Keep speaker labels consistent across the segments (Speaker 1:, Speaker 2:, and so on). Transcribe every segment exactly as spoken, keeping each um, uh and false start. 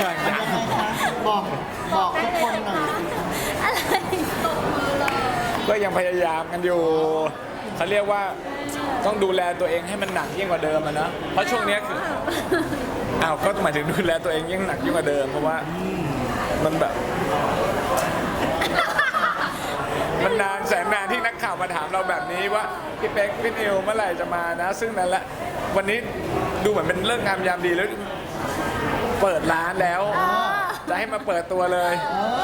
Speaker 1: บอกบอกทุกคนหน่อยสิ
Speaker 2: อะไรตบมือเลย
Speaker 3: ก็ยังพยายามกันอยู่เขาเรียกว่าต้องดูแลตัวเองให้มันหนักยิ่งกว่าเดิมอะนะเพราะช่วงนี้คืออ้าวก็หมายถึงดูแลตัวเองยิ่งหนักยิ่งกว่าเดิมเพราะว่ามันแบบ มันนานแสนนานที่นักข่าวมาถามเราแบบนี้ว่าพี่เป๊กพี่นิวเมื่อไหร่จะมานะ ซึ่งนั่นแหละวันนี้ดูเหมือนเป็นเรื่องงามยามดีแล้วเปิดร้านแล้วจะให้มาเปิดตัวเลย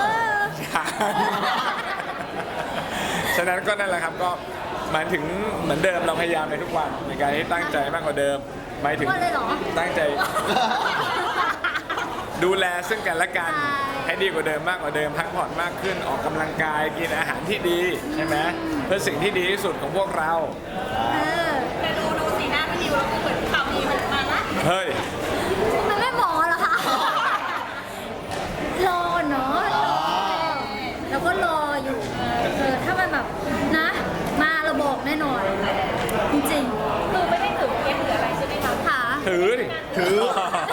Speaker 3: ฉะนั้นก็นั่นแหละครับก็หมายถึงเหมือนเดิมเราพยายามในทุกวันในการให้ตั้งใจมากกว่าเดิมหมายถึงตั้งใจ ดูแลซึ่งกันและกันให้ดีกว่าเดิมมากกว่าเดิมพักผ่อนมากขึ้นออกกำลังกายกินอาหารที่ดีใช่ไหมเพื่อสิ่งที่ดีที่สุดของพวกเรา
Speaker 2: แต่ดูดูสีหน้าพี่นิวแล้วก็เหมือนข่าวดีมันมาละ
Speaker 3: เฮ้ย
Speaker 2: มันไม่หมอเหรอคะรอเนาะแล้วก็รออยู่เออถ้ามันแบบนะมาเราบอกแน่นอนจริงๆคือไม่ได้ถือเกมหรืออะไรใช่ไหมคะค่ะ
Speaker 3: ถือดิถือ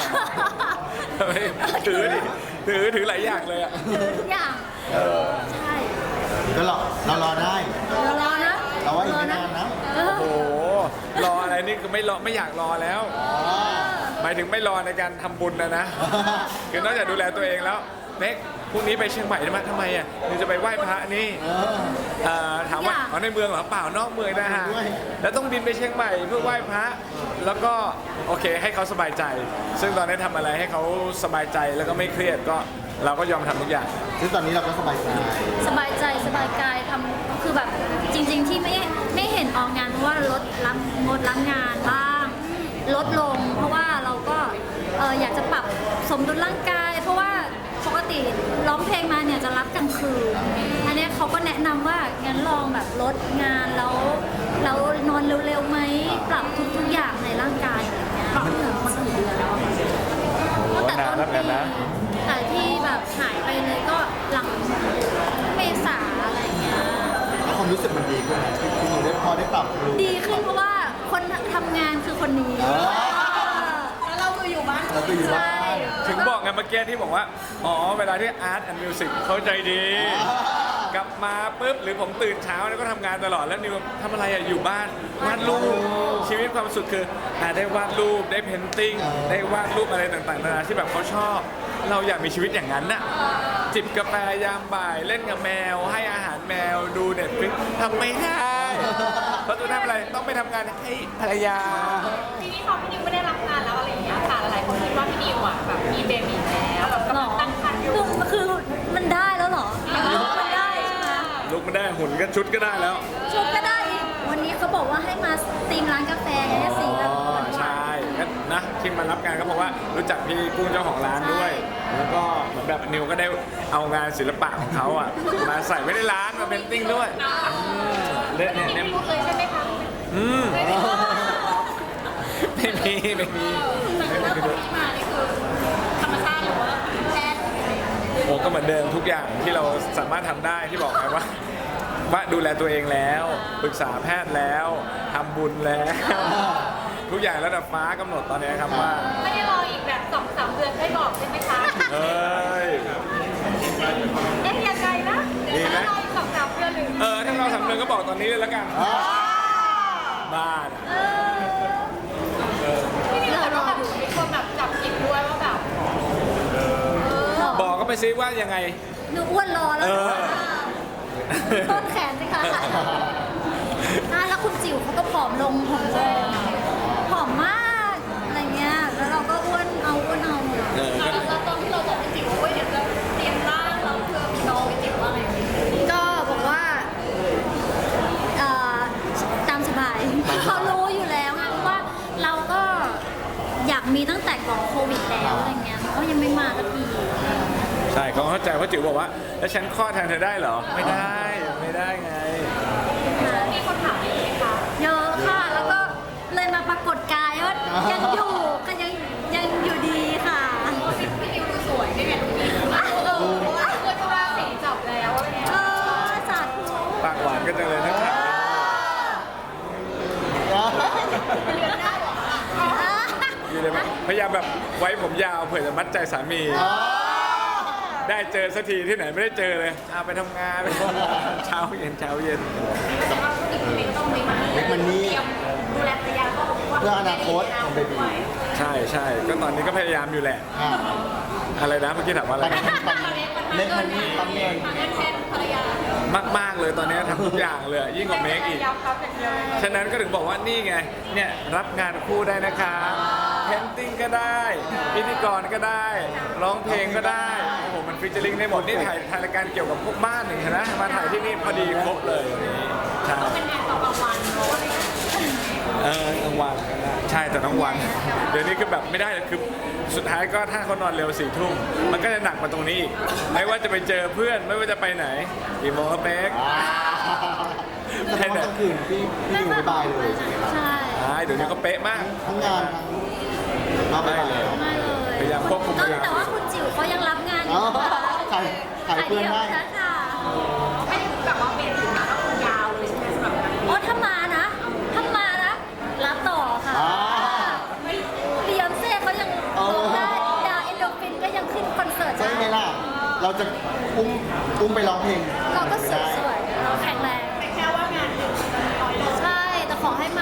Speaker 3: ถือดิถือถือหลายอย่างเลยอ่ะ
Speaker 2: ถือทุกอย่างใช่
Speaker 1: ก็รอเรารอได้
Speaker 2: เรารอนะ
Speaker 1: เราว่าอีกไม่นานนะ
Speaker 2: เออ
Speaker 3: โอ้โหรออะไรนี่คือไม่รอไม่อยากรอแล้วหมายถึงไม่รอในการทำบุญนะนะคือนอกจากดูแลตัวเองแล้วเน็กพรุ่งนี้ไปเชียงใหม่ได้ไหมทำไมอ่ะนี่จะไปไหว้พระนี่
Speaker 1: เออ
Speaker 3: เอ่อถามว่าอ๋อในเมืองเหรอเปล่านอกเมืองนะฮะ
Speaker 1: ด้วย
Speaker 3: แล้วต้องบินไปเชียงใหม่เพื่อไหว้พระแล้วก็โอเคให้เขาสบายใจ ซึ่งตอนนี้ทำอะไรให้เขาสบายใจแล้วก็ไม่เครียดก็เราก็ยอมทำทุกอย่าง
Speaker 1: ซึ่งตอนนี้เราก็สบายใจ
Speaker 2: สบายใจสบายกายทำคือแบบจริง ๆ ที่ไม่ไม่เห็นออกงานเพราะว่าลดรับงดรับงานบ้างลดลง เพราะว่าเราก็เอ่ออยากจะปรับสมดุลร่างกาย เพราะว่าปกติร้องเพลงมาเนี่ยจะรับกลางคืนอันเนี้ยเขาก็แนะนำว่างั้นลองแบบลดงานแล้วแล้วนอนเร็วๆไหมปรับทุกๆอย่างในร่างกายอะไรเงี้ยปรับถึงมากี่เดือนแล้วอะ
Speaker 3: โอ้นานแล้วกันนะ
Speaker 2: แต่ที่แบบหายไปเลยก็หลังเมษาอะไรเงี้ย
Speaker 1: แล้วความรู้สึกมันดีขึ้นไหมที่ที่ได้พอได้ปรับรู้
Speaker 2: ดีขึ้นเพราะว่าคนทำงานคือคนนี้
Speaker 1: เออ
Speaker 2: แล้วเราคืออยู่บ้าน
Speaker 1: เราคืออยู่บ้าน
Speaker 3: ถึงบอกไงเมื่อกี้ที่บอกว่า อ๋อ เวลาที่อาร์ตแอนด์มิวสิกเข้าใจดี กลับมาปุ๊บ หรือผมตื่นเช้าแล้วก็ทำงานตลอดแล้วนิวทำอะไรอะอยู่บ้าน วาดรูป ชีวิตความสุขคืออ่ะได้วาดรูป ได้เพนติ้ง ได้วาดรูปอะไรต่างๆนานาที่แบบเขาชอบ เราอยากมีชีวิตอย่างนั้นน่ะ จิบกาแฟยามบ่าย เล่นกับแมว ให้อาหารแมว ดูเน็ตฟลิกทำไม่ได้ เพราะตัวทำอะไร ต้องไปทำงานให้ภรรยา
Speaker 4: ทีนี้พอพี่นิวไม่ได้รับงานแล้วอะไรอย่างเงี้ยค่ะหลายคนคิดว่าพี่นิวอ่ะแบบมีเบบีแล้วแบบกำลังตั้งครรภ์อยู่
Speaker 2: คือมันคือมันได้แล้วเหรอมันได้ใช่ไหม
Speaker 3: ลุกไม่ได้หุ่นก็ชุดก็ได้แล้ว
Speaker 2: ชุดก็ได้อีกวันนี้เขาบอกว่าให้มาตีมร้านกาแฟไงเนี่ยสีแบบ
Speaker 3: อ๋อใช่ก็นะที่มารับงานก็เพราะว่ารู้จักพี่กุ้งเจ้าของร้านด้วย แล้วก็เหมือนแบบนิวก็ได้เอางานศิลปะของเขาอ่ะมาใส่ไว้ในร้านมาเป็นติ้งด้วยเล่นเนี่ย
Speaker 4: พี่
Speaker 3: เนี่ย
Speaker 4: นิวเลยใช่ไหมคะ
Speaker 3: อืมไม่มีไม่มี
Speaker 4: แต่เรื่องคนที่มานี่คือธรรมชาติหรือว่าแพทย์
Speaker 3: โอ้ก็เหมือนเดิมทุกอย่างที่เราสามารถทำได้ที่บอกไงว่าว่าดูแลตัวเองแล้วปรึกษาแพทย์แล้วทำบุญแล้ว ทุกอย่างระดับฟ้ากำหนดตอนนี้ครับว่า
Speaker 4: ไม่ได้รออีกแบบสองสามเดือนได้บอกใช่ไหมคะ
Speaker 3: เอ้ย
Speaker 4: เอ๊ะยังไงนะ
Speaker 3: ดีไหม
Speaker 4: ถ้ารออีกสองสามเดือนหรือ
Speaker 3: เออถ้าเราสำเร็จก็บอกตอนนี้เลยแล้วกันบ้าน
Speaker 2: เออ
Speaker 4: พี่นิวบอกว่าแบบมีคนแบบจับผิดด้วยว่าแบบ
Speaker 3: บอกก็ไปซิว่ายังไง
Speaker 2: หนูอ้วนรอแล้ว
Speaker 3: เออ
Speaker 2: ต้นแขนสิคะอ่ะแล้วคุณจิ๋วเขาก็ผอมลงผอมลงผอมมากอะไรเงี้ยแล้วเราก็อ้วนเอาอ้วนเอา
Speaker 3: เออก็
Speaker 4: แล้วตอนที่เราบอกพี่จิ๋วว่าเว้ยเดี๋ยวจะเตรียมร่างเราเพื่อมีน้องพี่จิ๋วว่าอะไรอย่างเงี้ย
Speaker 2: ก็บอกว่าเอ่อตามสบายเขารู้อยู่แล้วไงเพราะว่าเราก็อยากมีตั้งแต่ก่อนโควิดแล้วอะไรเงี้ยเขายังไม่มาสักที
Speaker 3: ใช่เขาเข้าใจเพราะจิ๋วบอกว่า แล้วฉันคลอดแทนเธอได้เหรอ ไม่ได้ ไม่ได้ไง
Speaker 4: มีคนถามอีกไหมคะ
Speaker 2: เยอะค่ะ แล้วก็เลยมาปรากฏกายว่ายังอยู่ก็ยังยังอยู่ดีค่ะ
Speaker 4: พี่พี่นิวดูสวยได้ไงดูดีมากเออเพราะว่าเพื่อนก็ว่าสีจับแล้วอะไรเงี้ย
Speaker 2: เออสาธุ
Speaker 3: ปากหวานก็จังเลยนะครับ
Speaker 4: เรียนได้หรอ
Speaker 3: อยู่เลยไหมพยายามแบบไว้ผมยาวเผื่อจะมัดมัดใจสามี ได้เจอสักทีที่ไหนไม่ได้เจอเลยเอาไปทำงานไปทำงานเช้าเย็นเช้าเย็น
Speaker 4: แสดงว่าพี่นิวต้องมีมันนี่
Speaker 1: เล็กมันนี่
Speaker 4: เตรียมดูแลภรรยาก็บอกว่า
Speaker 1: เพื่ออนาคตของเบบี
Speaker 3: ใช่ใช่ก็ตอนนี้ก็พยายามอยู่แหละ
Speaker 1: อ่า
Speaker 3: อะไรนะเมื่อกี้ถามว่าอะไร
Speaker 1: ตอนนี้เล็กมันนี่ปั๊มเงิน
Speaker 4: เงินแทนภรรยาม
Speaker 3: ากๆเลยตอนนี้ทำทุกอย่างเลยยิ่งกว่าเมคอีก
Speaker 4: ยาวครับอย่างเดียวเลย
Speaker 3: ฉะนั้นก็ถึงบอกว่านี่ไงเนี่ยรับงานคู่ได้นะคะเพนติ้งก็ได้พิธีกรก็ได้ร้องเพลงก็ได้โอ้โหมันฟิชเจอริงได้หมดนี่ถ่ายถ่ายรายการเกี่ยวกับพวกบ้านหนึ่งนะมาถ่ายที่นี่พอดีครบเลยวันนี้ใช่
Speaker 4: เป็นงานตอนกลางวันเพราะว่า
Speaker 3: เออกลางวันก็ได้ใช่แต่ต้องวันเดี๋ยวนี้คือแบบไม่ได้เลยคือสุดท้ายก็ถ้าเขานอนเร็วสี่ทุ่มมันก็จะหนักกว่าตรงนี้อีกไม่ว่าจะไปเจอเพื่อนไม่ว่าจะไปไหนกี่โมงครับเป๊ก
Speaker 1: แสดงว่ากลางคืนพี่พี่อยู่ไม่บายเลยใช่ไหมครับ
Speaker 2: ใช่
Speaker 3: ใช่เดี๋ยวนี้ก็เป๊ะมาก
Speaker 1: ทั้งงานทั้งไม่เลย
Speaker 2: ไม่เลย
Speaker 3: พยายามควบคุมเวลา
Speaker 2: แต่ว่าคุณจิ๋วเขายังรับงานอ
Speaker 1: อ๋อยู่
Speaker 2: นะคะ
Speaker 1: ขายขายเพื่อนได้
Speaker 2: ขายเดียวค่ะ
Speaker 4: ให้แบบว่าเป็นถึงมาแล้วยาวเลยใช่ไหมสำหรับการ
Speaker 2: โอ้ถ้ามานะถ้ามานะรับต่อค่ะ
Speaker 1: อ่า
Speaker 2: ไม่เบียนเซ่เขายัง
Speaker 1: เออ
Speaker 2: ร้องได้ดาเอนโดฟินก็ยังขึ้นคอนเสิร์ต
Speaker 1: ใช่
Speaker 2: ได้
Speaker 1: ไหมล่ะ เราจะอุ้มอุ้มไปร้องเพลง
Speaker 2: เราก็สวยๆเราแข็งแรง
Speaker 4: แต่แค่ว่างานหนึ่งร้อยโล
Speaker 2: ใช่แต่ขอให้มา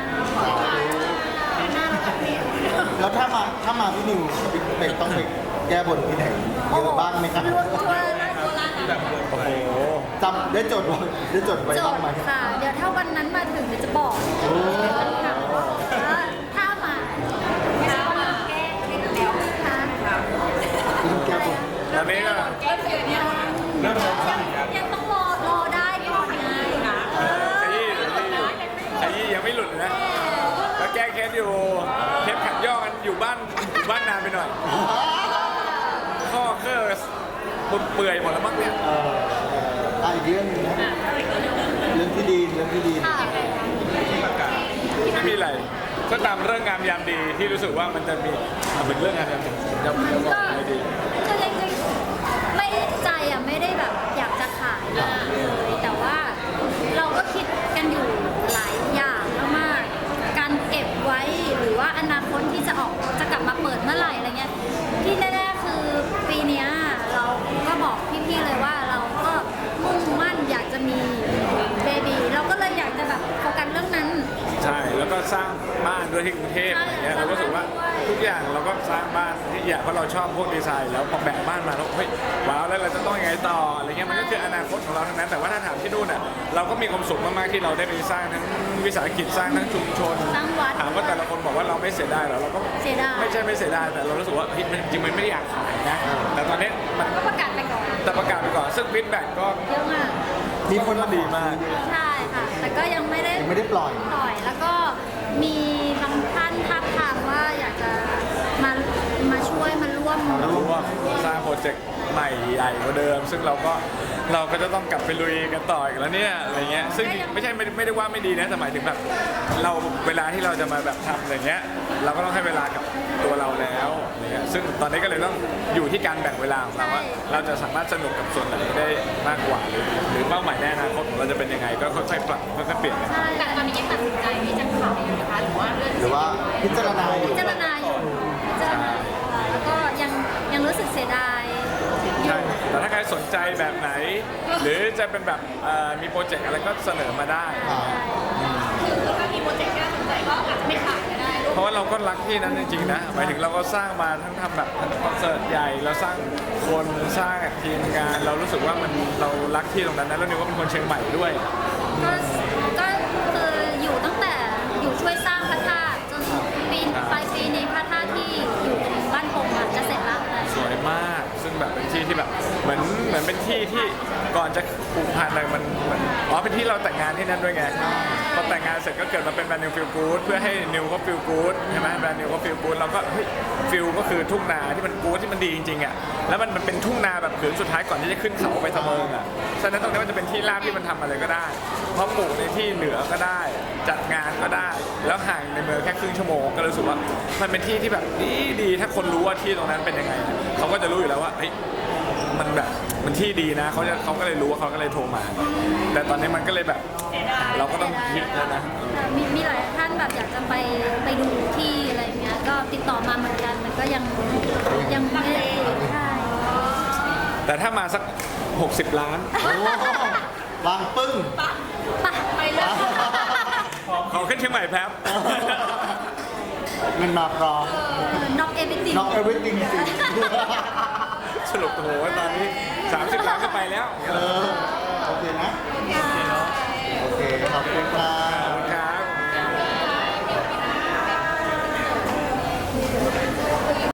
Speaker 1: แล้วถ้ามาถ้ามาพี่นิวเป็นต้องไปแก้บนที่ไหนเยอะบ้างไหมครับ
Speaker 2: รวมตัวนะตัวละนะ
Speaker 3: โอ้โห
Speaker 1: จำได้จดไว้ได้จดไว้
Speaker 2: จ
Speaker 1: บ้าง
Speaker 2: ด
Speaker 1: ไหม
Speaker 2: ค่ะ เดี๋ยวถ้าวันนั้นมาถึงเดี๋ยวจะบอกค่ะว่าถ้ามา
Speaker 4: ถ้ามาแก้ไม่ได้แล้ว
Speaker 2: ค่ะ
Speaker 1: เรื่องแก้บน
Speaker 3: ตอนนี้ก็
Speaker 4: แก้เสร็จเนี่ย
Speaker 3: เริ่มสงสัยครับ
Speaker 2: ยังต้องรอรอได้ก่อนไงเออ
Speaker 3: ขยี้ขยี้ขยี้ยังไม่หลุดนะก็แก้เคสอยู่เทปขัดย่อกันอยู่บ้านอยู่บ้านนานไปหน่อย ข้อเครื่อปุดเปื่อยหมดแล้วมั้งเนี่ย
Speaker 1: เอออ่ะอีกเรื่องหนึงนะเรื่องที่ดีเรื่องที่ดี
Speaker 2: ค่ะ
Speaker 3: ไม่มีอะไรก็ตามเรื่องงามยามดีที่รู้สึกว่ามันจะมีอ่ะเป็นเรื่องงามยามดีจะจะบอกอะไรดี
Speaker 2: ก็เลยไม่ได้ใจอ่ะไม่ได้แบบอยากจะขายมากเลยแต่ว่าเราก็คิดกันอยู่หลายอย่างมากๆการเก็บไว้หรือว่าอนาคตที่จะออกจะกลับมาเปิดเมื่อไหร่อะไรเงี้ยที่แน่ๆคือปีเนี้ยเราก็บอกพี่ๆเลยว่าเราก็มุ่งมั่นอยากจะมีเบบีเราก็เลยอยากจะแบบโฟกัสเรื่องนั้น
Speaker 3: ใช่แล้วก็สร้างบ้านด้วยที่กรุงเทพอะไรเงี้ยเราก็รู้สึกว่าทุกอย่างเราก็สร้างบ้านที่อยากเพราะเราชอบพวกดีไซน์แล้วพอแบ่งบ้านมาแล้วเฮ้ยว้าวแล้วเราจะต้องยังไงต่ออะไรเงี้ยมันก็คืออนาคตของเราทั้งนั้นแต่ว่าถ้าถามที่นู่นน่ะเราก็มีความสุขมากๆที่เราได้ไปสร้างทั้งวิสาหกิจสร้างทั้งชุมชน
Speaker 2: สร้างวัด
Speaker 3: ถามว่าแต่ละคนบอกว่าเราไม่เสียดายหรอเราก็
Speaker 2: เสียดาย
Speaker 3: ไม่ใช่ไม่เสียดายแต่เรารู้สึกว่าเฮ้ยมันจริงๆมันไม่ได้อยากขายนะแต่ตอนนี้มัน
Speaker 2: ก็ประกาศไปก่อน
Speaker 3: แต่ประกาศไปก่อนซึ่งฟีดแบ็กก็
Speaker 2: เยอะมาก
Speaker 1: มีคนมา
Speaker 3: ดีมาก
Speaker 2: ใช่ค่ะ แต่ก็ยังไม่ได้
Speaker 1: ยังไม่ได้ปล่อย
Speaker 2: ปล่อยแล้วก็มีบางท่านทักทามว่าอยากจะมามาช่วยมาร่วม
Speaker 3: รู้ว่าสร้างโปรเจกต์ใหม่ใหญ่กว่าเดิม ซึ่งเราก็เราก็จะต้องกลับไปลุยกันต่ออีกแล้วเนี่ยอะไรเงี้ยซึ่งไม่ใช่ไม่ไม่ได้ว่าไม่ดีนะแต่หมายถึงแบบเราเวลาที่เราจะมาแบบทำอะไรเงี้ยเราก็ต้องให้เวลากับตัวเราแล้วอะไรเงี้ยซึ่งตอนนี้ก็เลยต้องอยู่ที่การแบ่งเวลาของเราว่าเราจะสามารถสนุกกับส่วนไหนได้มากกว่าหรือหรือเป้าหมายในอนาคตของเราจะเป็นยังไงก็ค่อยๆปรับค่อยๆเปลี่ยนกัน
Speaker 2: ใช่
Speaker 4: แต่ตอนนี้ยังตัดสินใจที่จะขายอยู่นะคะหรือว่าเลื่อน
Speaker 1: หรือว่าพิจารณาอยู่
Speaker 2: พิจารณาอยู่พิจารณาอยู่ค่ะแล้วก็ยังยังรู้สึกเสียดาย
Speaker 3: ใช่แต่ถ้าใครสนใจแบบไหน หรือจะเป็นแบบเอ่อมีโปรเจกต์อะไรก็เสนอมาได้
Speaker 1: อ่า
Speaker 4: คือถ้ามีโปรเจกต์ที่น่าสนใจก็อาจจะไม่ขายก็ได้
Speaker 3: เพราะว่าเราก็รักที่นั้นจริงๆนะหมายถึงเราก็สร้างมาทั้งทำแบบคอนเสิร์ตใหญ่เราสร้างคนสร้างทีมงาน เรารู้สึกว่ามันเรารักที่ตรงนั้นนะแล้วนิวก็เป็นคนเชียงใหม่ด้วย
Speaker 2: ก็ก็คืออยู่ตั้งแต่อยู่ช่วยสร้างพระธาตุจนปีปลายปีนี้พระธาตุที่อยู่ตรงบ้านผมอะจะเสร็จแล้วอะไร
Speaker 3: สวยมาก ซึ่งแบบเป็นที่ที่แบบเหมือนเหมือนเป็นที่ที่ก่อนจะผูกพันอะไรมันมันอ๋อเป็นที่เราแต่งงานที่นั่นด้วยไงพอแต่งงานเสร็จก็เกิดมาเป็นแบรนด์นิวฟิลกู๊ดเพื่อให้นิวเขาฟิลกู๊ดใช่ไหมแบรนด์นิวเขาฟิลกู๊ดเราก็เฮ้ยฟิลก็คือทุ่งนาที่มันกู๊ดที่มันดีจริงๆอ่ะแล้วมันมันเป็นทุ่งนาแบบผืนสุดท้ายก่อนที่จะขึ้นเขาไปทะเมิงอ่ะฉะนั้นตรงนี้มันจะเป็นที่ราบที่มันทำอะไรก็ได้เพราะปลูกในที่เหนือก็ได้ จัดงานก็ได้ แล้วห่างในเมืองแค่ครึ่งชั่วโมงก็รู้สึกว่ามันเป็นที่ที่แบบดีดีถ้าคนรู้ว่าที่ตรงนั้นเป็นยังไงเขาก็จะรู้อยู่แล้วว่าเฮ้ยมันแบบมันที่ดีนะเขาจะเขาก็เลยรู้ว่าเขาก็เลยโทรมา แต่ตอนนี้มันก็เลยแบบเราก็ต้องคิดแล้วนะ
Speaker 2: มีมีหลายท่านแบบอยากจะไปไปดูที่อะไรเงี้ยก็ติดต่อมาเหมือนกันมันก็ยังยังไม่ได้ใช่
Speaker 3: แต่ถ้ามาสัก หกสิบ ล้าน
Speaker 1: โอ้วางปึ้ง
Speaker 2: ไป
Speaker 4: ไปเลย
Speaker 3: ขอขึ้นเชียงใหม่แป๊บ
Speaker 1: เงินมาพร้อม
Speaker 2: น็อกเอวิติ
Speaker 1: น้องเอวิติงจริง
Speaker 3: สรุปโอ้โหตอนนี้ สามสิบ ล้านก็ไปแล้ว
Speaker 1: เออโอเคนะ
Speaker 2: ค่ะ